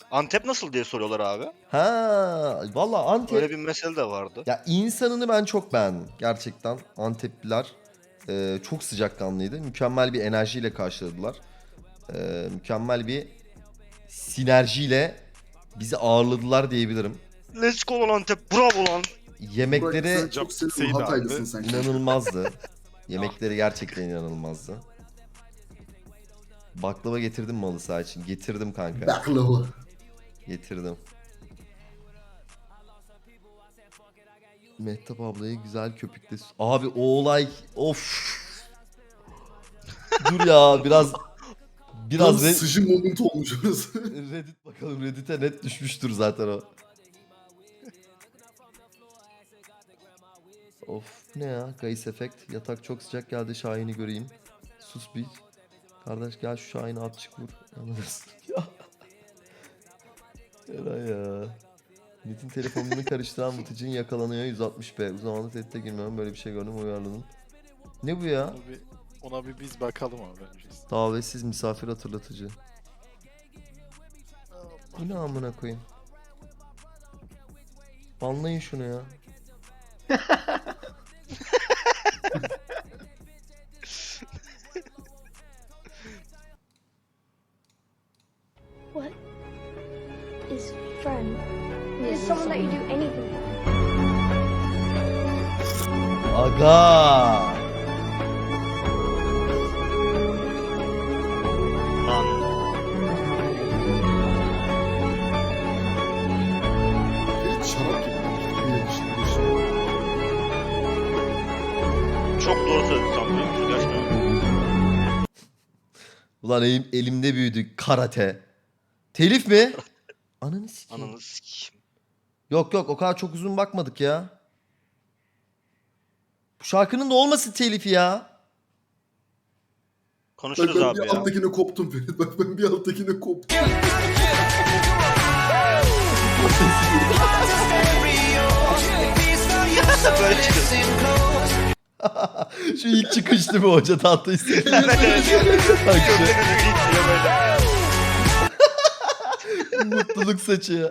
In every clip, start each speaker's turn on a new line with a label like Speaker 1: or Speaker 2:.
Speaker 1: Antep nasıl diye soruyorlar abi.
Speaker 2: Ha, valla Antep.
Speaker 1: Öyle bir mesele de vardı.
Speaker 2: Ya insanını ben çok beğendim. Gerçekten Antepliler çok sıcakkanlıydı. Mükemmel bir enerjiyle karşıladılar. Mükemmel bir sinerjiyle bizi ağırladılar diyebilirim.
Speaker 1: Let's go lan Antep. Bravo lan.
Speaker 3: Burak
Speaker 2: Yemekleri
Speaker 3: sen çok seviyorum.
Speaker 4: Seydi
Speaker 3: Hataylısın
Speaker 4: abi.
Speaker 3: sen.
Speaker 2: inanılmazdı. Yemekleri gerçekten inanılmazdı. Baklava getirdim mi halı saha için? Getirdim kanka.
Speaker 3: Baklava.
Speaker 2: Getirdim. Mehtap ablaya güzel köpükle... Abi o olay... Of. Dur ya biraz...
Speaker 3: Tam
Speaker 2: Biraz
Speaker 3: sıcı moment olmuş orası.
Speaker 2: Reddit bakalım. Reddit'e net düşmüştür zaten o. Of ne ya? Gayis efekt. Yatak çok sıcak geldi. Şahin'i göreyim. Sus bir. Kardeş gel şu Şahin'i at çık vur. Anladınız ya. Eray ya. Metin telefonunu karıştıran Mıtıcın yakalanıyor 160p. Uzun zamandır tehdite girmiyorum. Böyle bir şey gördüm uyarladım. Ne bu ya?
Speaker 4: Ona bir biz bakalım abi bence.
Speaker 2: Davetsiz misafir hatırlatıcı. Bu ne amına koyayım? Banlayın şunu ya.
Speaker 5: What is friend? It's someone that you do anything for.
Speaker 2: Aga.
Speaker 1: Lan.
Speaker 3: Ferit şarap gibi.
Speaker 1: Çok doğru söyledin sanırım. Gerçekten.
Speaker 2: Ulan elimde büyüdü karate. Telif mi? Ananı sikeyim.
Speaker 1: Ananı sikeyim.
Speaker 2: Yok yok o kadar çok uzun bakmadık ya. Bu şarkının da olmasın telifi ya.
Speaker 3: Bak
Speaker 1: Konuşuruz
Speaker 3: ben
Speaker 1: abi
Speaker 3: bir
Speaker 1: ya.
Speaker 3: alttakine koptum Ferit. Bak ben bir alttakine koptum.
Speaker 1: Böyle çıkıyorsun.
Speaker 2: Şu ilk çıkış değil mi hoca tatlı istedi.
Speaker 1: Evet evet. Gözlerinizi gidiyor böyle.
Speaker 2: Mutluluk saçı ya.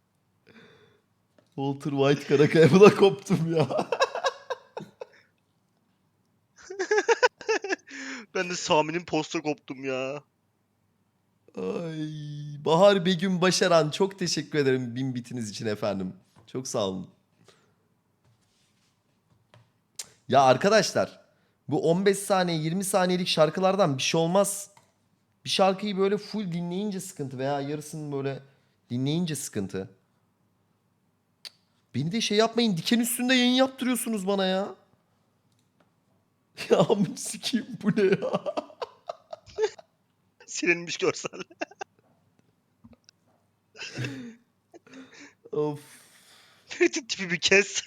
Speaker 2: Walter White Karakaya buna koptum ya.
Speaker 1: Ben de Sami'nin posta koptum ya.
Speaker 2: Ay, Bahar Begüm Başaran çok teşekkür ederim 1000 bitiniz için efendim. Çok sağ olun. Ya arkadaşlar bu 15 saniye 20 saniyelik şarkılardan bir şey olmaz. Bir şarkıyı böyle full dinleyince sıkıntı veya yarısını böyle dinleyince sıkıntı. Beni de şey yapmayın diken üstünde yayın yaptırıyorsunuz bana ya. Ya amın sikeyim bu ne ya?
Speaker 1: Silinmiş görsel.
Speaker 2: Of.
Speaker 1: Ferit'in tipi bir kes.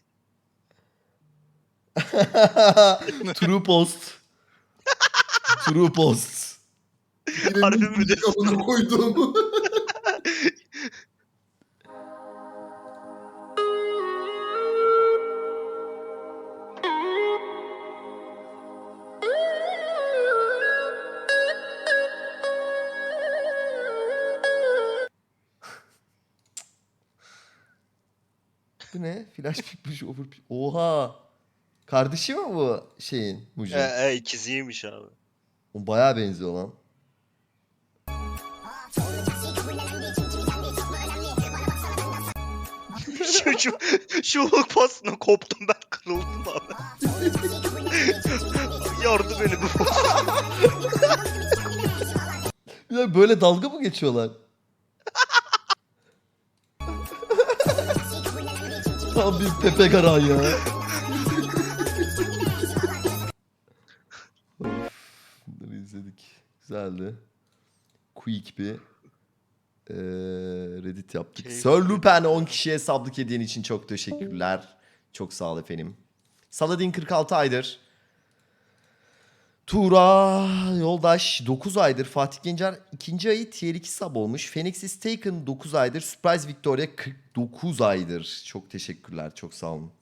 Speaker 2: True post. True post.
Speaker 3: Yine
Speaker 1: Harbi mi
Speaker 3: müzik
Speaker 1: diyorsun?
Speaker 3: amına koydum.
Speaker 2: Bu ne? Flash pikmiş over. Oha. Kardeşi mi bu şeyin Mucu?
Speaker 1: ikiziymiş abi.
Speaker 2: O bayağı benziyor lan.
Speaker 1: şu hook pasına koptum ben, kırıldım abi. Yordu beni bu.
Speaker 2: Ya böyle dalga mı geçiyorlar? Tam bir Pepe Garan ya. Of, bunları izledik. Güzeldi. Quick bir Reddit yaptık.
Speaker 1: Keyifli.
Speaker 2: Sir Lupin 10 kişiye sablık hediyen için çok teşekkürler. Çok sağ ol efendim. Saladin 46 aydır. Tuğra Yoldaş 9 aydır. Fatih Gencer 2. ayı tier 2 sub olmuş. Phoenix is Taken 9 aydır. Surprise Victoria 49 aydır. Çok teşekkürler. Çok sağ olun.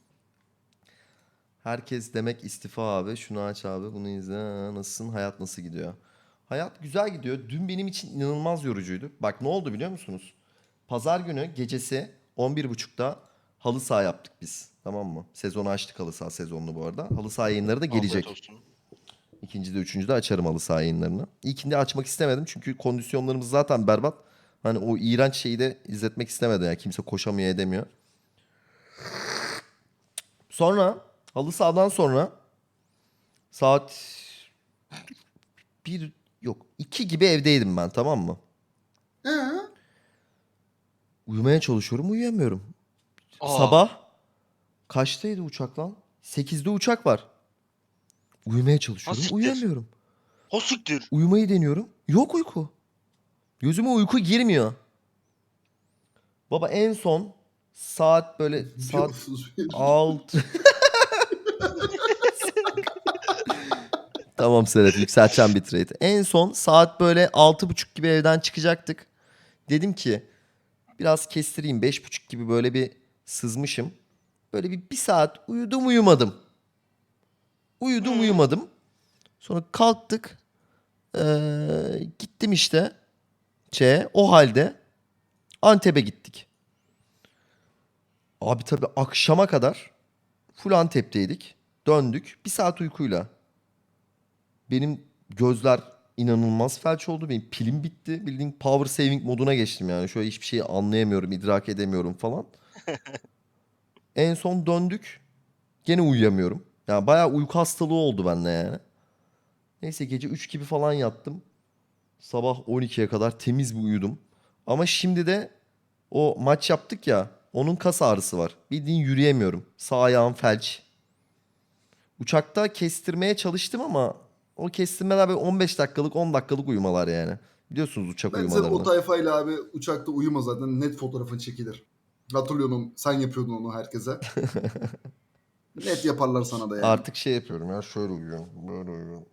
Speaker 2: Herkes demek istifa abi. Şunu aç abi. Bunu izle. Ha, nasılsın? Hayat nasıl gidiyor? Hayat güzel gidiyor. Dün benim için inanılmaz yorucuydu. Bak ne oldu biliyor musunuz? Pazar günü gecesi 11.30'da halı saha yaptık biz. Tamam mı? Sezonu açtık, halı saha sezonunu bu arada. Halı saha yayınları da gelecek.
Speaker 1: Afiyet olsun.
Speaker 2: İkinci de üçüncü de açarım halı saha yayınlarını. İlkinde açmak istemedim çünkü kondisyonlarımız zaten berbat. Hani o iğrenç şeyi de izletmek istemedim. Yani kimse koşamıyor edemiyor. Sonra halı sahadan sonra saat 1 yok 2 gibi evdeydim ben, tamam mı?
Speaker 3: He?
Speaker 2: Uyumaya çalışıyorum, uyuyamıyorum.
Speaker 1: Aa.
Speaker 2: Sabah kaçtaydı uçak lan? 8'de uçak var. Uyumaya çalışıyorum,
Speaker 1: siktir.
Speaker 2: uyuyamıyorum.
Speaker 1: O siktir.
Speaker 2: Uyumayı deniyorum. Yok uyku. Gözüme uyku girmiyor. Baba en son saat böyle saat
Speaker 3: Biliyorsunuz.
Speaker 2: 6. Tamam Serhat, yükselteceğim bitrate. En son saat böyle 6.30 gibi evden çıkacaktık. Dedim ki biraz kestireyim, 5.30 gibi böyle bir sızmışım. Böyle bir saat uyudum uyumadım. Uyudum uyumadım. Sonra kalktık. Gittim işte. O halde Antep'e gittik. Abi tabii akşama kadar full Antep'teydik. Döndük. Bir saat uykuyla. Benim gözler inanılmaz felç oldu. Benim pilim bitti. Bildiğin power saving moduna geçtim yani. Şöyle hiçbir şeyi anlayamıyorum, idrak edemiyorum falan. En son döndük. Gene uyuyamıyorum. Yani bayağı uyku hastalığı oldu bende yani. Neyse gece 3 gibi falan yattım. Sabah 12'ye kadar temiz bir uyudum. Ama şimdi de o maç yaptık ya. Onun kas ağrısı var. Bildiğin yürüyemiyorum. Sağ ayağım felç. Uçakta kestirmeye çalıştım ama o kestirmeler böyle 15 dakikalık 10 dakikalık uyumalar yani. Biliyorsunuz uçak
Speaker 3: Ben o
Speaker 2: uyumalarını.
Speaker 3: tayfayla abi uçakta uyuma zaten. Net fotoğrafın çekilir. Hatırlıyorum, sen yapıyordun onu herkese. Net yaparlar sana da yani.
Speaker 2: Artık şey yapıyorum ya, şöyle uyuyorum. Böyle uyuyorum.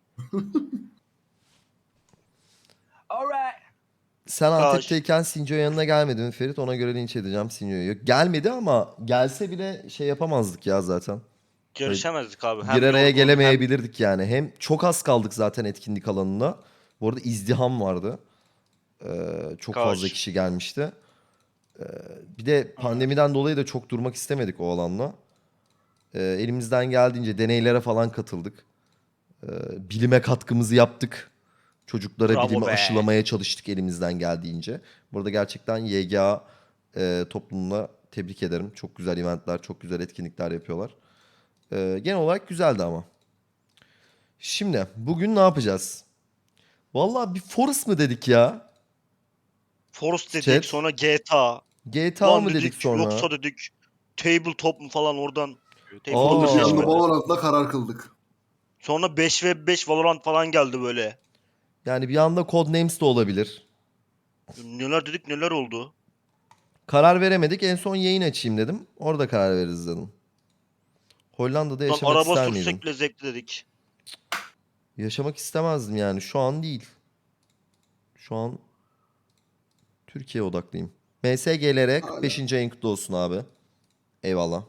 Speaker 2: Sen Antep'teyken Sinco'ya yanına gelmedi mi Ferit? Ona göre linç edeceğim Sinco'yu. Yok gelmedi ama gelse bile şey yapamazdık ya zaten.
Speaker 1: Görüşemezdik abi.
Speaker 2: Bir araya
Speaker 1: yorgun,
Speaker 2: gelemeyebilirdik yani. Hem çok az kaldık zaten etkinlik alanına. Bu arada izdiham vardı. Çok
Speaker 1: Kaç.
Speaker 2: fazla kişi gelmişti. Bir de pandemiden dolayı da çok durmak istemedik o alanda. Elimizden geldiğince deneylere falan katıldık. Bilime katkımızı yaptık. Çocuklara
Speaker 1: Bravo
Speaker 2: bilimi
Speaker 1: be.
Speaker 2: aşılamaya çalıştık elimizden geldiğince. Burada gerçekten YGA toplumuna tebrik ederim. Çok güzel eventler, çok güzel etkinlikler yapıyorlar. Genel olarak güzeldi ama. Şimdi bugün ne yapacağız? Vallahi bir Forest mı dedik ya?
Speaker 1: Forest dedik,
Speaker 2: Chat.
Speaker 1: sonra GTA.
Speaker 2: GTA
Speaker 1: Lan
Speaker 2: mı dedik sonra?
Speaker 1: Yoksa dedik tabletop mu falan oradan.
Speaker 3: Onun
Speaker 2: Aa.
Speaker 3: yanında Valorant'la karar kıldık.
Speaker 1: Sonra 5v5 Valorant falan geldi böyle.
Speaker 2: Yani bir anda Codenames de olabilir.
Speaker 1: Neler dedik neler oldu.
Speaker 2: Karar veremedik. En son yayın açayım dedim. Orada karar veririz dedim. Hollanda'da
Speaker 1: Lan
Speaker 2: yaşamak
Speaker 1: araba
Speaker 2: ister miydin?
Speaker 1: sürsek bile zevkli dedik.
Speaker 2: Yaşamak istemezdim yani. Şu an değil. Şu an Türkiye odaklıyım. MSGLR 45. ayın kutlu olsun abi. Eyvallah.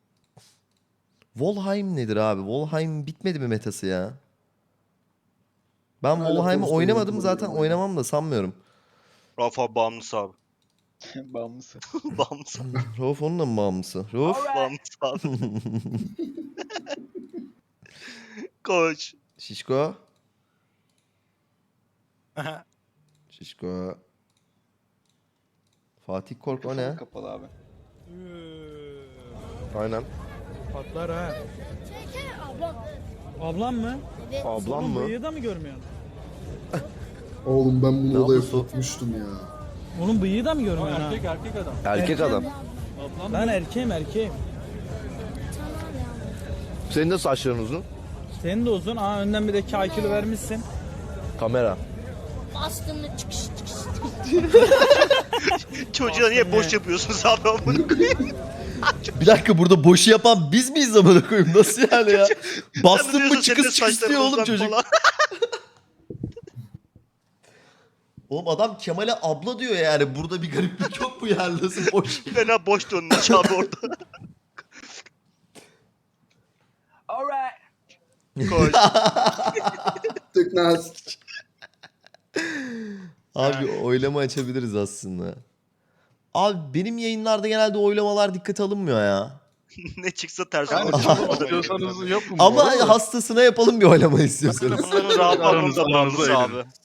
Speaker 2: Volheim nedir abi? Volheim bitmedi mi metası ya? Ben
Speaker 3: Hala
Speaker 2: Volheim'i
Speaker 3: Forest'ta
Speaker 2: oynamadım,
Speaker 3: yönetiyorum
Speaker 2: zaten
Speaker 3: oyunu.
Speaker 2: oynamam da sanmıyorum.
Speaker 1: Rafa bağımlısı abi.
Speaker 4: Bağımlısı.
Speaker 1: Bağımlısı.
Speaker 2: Rauf onun da mı bağımlısı? Rauf?
Speaker 1: Bağımlısı abi. Koş.
Speaker 2: Şişko. Şişko. Fatih Kork o ne?
Speaker 4: Kapalı abi.
Speaker 2: Aynen.
Speaker 6: Patlar ha. Ablam mı?
Speaker 2: Ablam mı?
Speaker 6: Bıyığı da mı görmüyorsun?
Speaker 3: Oğlum ben bunu odaya
Speaker 2: yapıyorsun?
Speaker 3: sokmuştum ya.
Speaker 6: Onun bıyığı da mı görmüyorsun ha? Erkek adam.
Speaker 2: Erkek adam.
Speaker 6: Ben erkeğim.
Speaker 2: Senin de saçların uzun.
Speaker 6: Senin de uzun. Aa önden bir de 2 kilo vermişsin.
Speaker 2: Kamera.
Speaker 7: Bastığında çıkış.
Speaker 1: Çocuğa niye boş yapıyorsunuz abi amına koyayım?
Speaker 2: Bir dakika, burada boşu yapan biz miyiz amına koyayım? Nasıl yani ya? Bastın mı
Speaker 1: Sen de
Speaker 2: çıkız çıkız diyor oğlum
Speaker 1: saçların
Speaker 2: çocuk.
Speaker 1: falan.
Speaker 2: Oğlum adam Kemal'e abla diyor yani. Burada bir gariplik yok mu yani? Nasıl boş?
Speaker 1: Fena boş dönmüş abi orada. Koş.
Speaker 3: Teknaz.
Speaker 2: Abi oylama açabiliriz aslında. Abi benim yayınlarda genelde oylamalar dikkate alınmıyor ya.
Speaker 1: Ne çıksa ters
Speaker 8: Yani
Speaker 1: olur.
Speaker 8: istiyorsanız yapın. bu
Speaker 2: Ama
Speaker 8: arada.
Speaker 2: hastasına yapalım bir oylama istiyorsanız.
Speaker 1: Bunların rahat
Speaker 8: Aranızda
Speaker 1: aranızda
Speaker 8: aranızda
Speaker 1: abi.